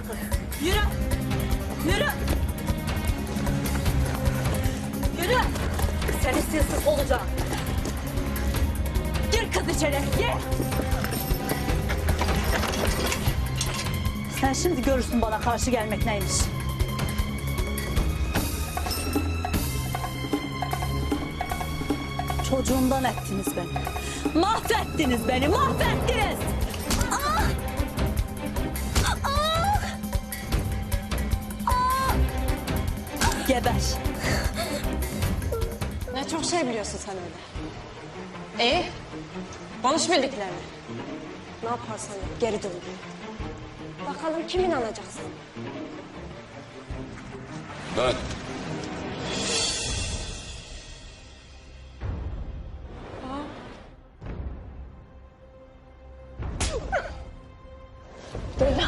Yürü kız. Yürü. Yürü. Yürü. Sen istiyorsun olacağım. Gir kız içeri. Gir. Sen şimdi görürsün bana karşı gelmek neymiş. Çocuğumdan ettiniz beni. Mahvettiniz beni, mahvettiniz. Ah! Ah! Ah! Geber. Ne çok şey biliyorsun sen öyle. Konuş bildiklerini. Ne yaparsan yap, geri dön. Bakalım kim inanacak sana? Dön. Leyla.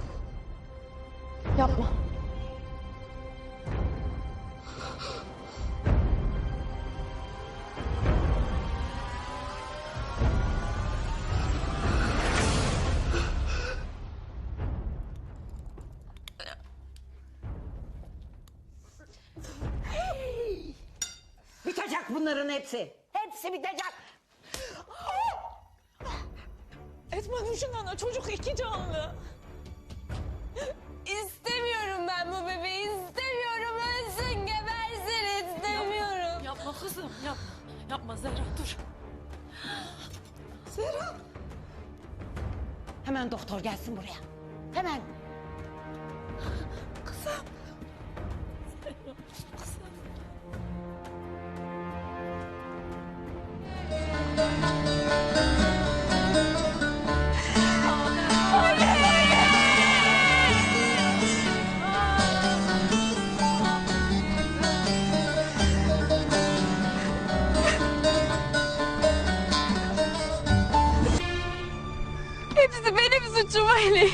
Yapma. Bitecek bunların hepsi. Hepsi bitecek. Etme düşün ana, çocuk iki canlı. İstemiyorum ben bu bebeği, istemiyorum. Ölsün, gebersin, istemiyorum. Yapma kızım, yapma. Yapma Zehra, dur. Zehra. Hemen doktor gelsin buraya. Hemen. Kızım. Zehra, kızım. Hepsi benim suçum Ali.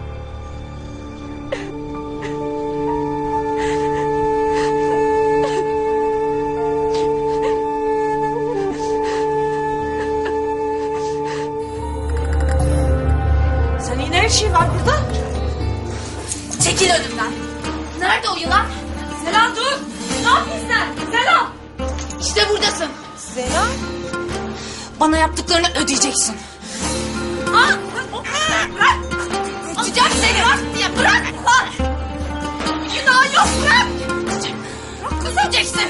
Senin ne işin var burada? Çekil önümden. Nerede o yılan? Zehra dur. Ne yapıyorsun sen? Zehra. İşte buradasın. Zehra. Bana yaptıklarını ödeyeceksin. Ah! Bırak! Atacağım seni! Bırak diye bırak! Günah yok bırak! Bırak ödeyeceksin!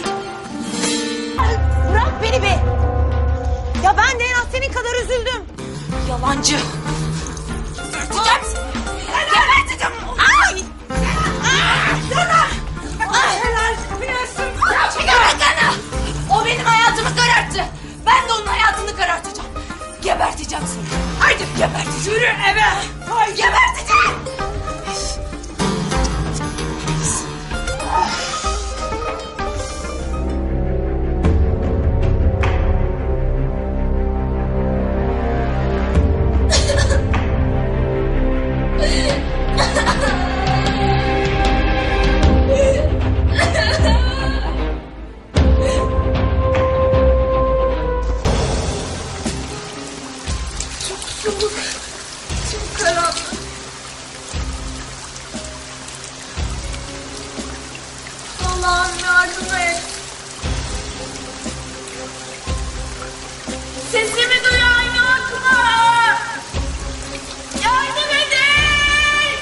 Bırak beni be. Ya ben de en az senin kadar üzüldüm. Yalancı! Ödeyeceğim seni! Geberteceğim! Ay! Sana! Ay helal yapıyorsun! Gebertene! O benim hayatımı kararttı. Ben de onun hayatını karartacağım. Geberteceğim seni. Haydi geberteceğim. Yürü eve. Haydi geberteceğim. Allah'ım yardım et. Sesimi duyan yok mu? Yardım edin.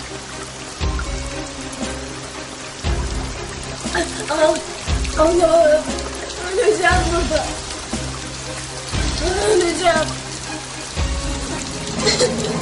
Allah'ım. Öleceğim burada. Öleceğim.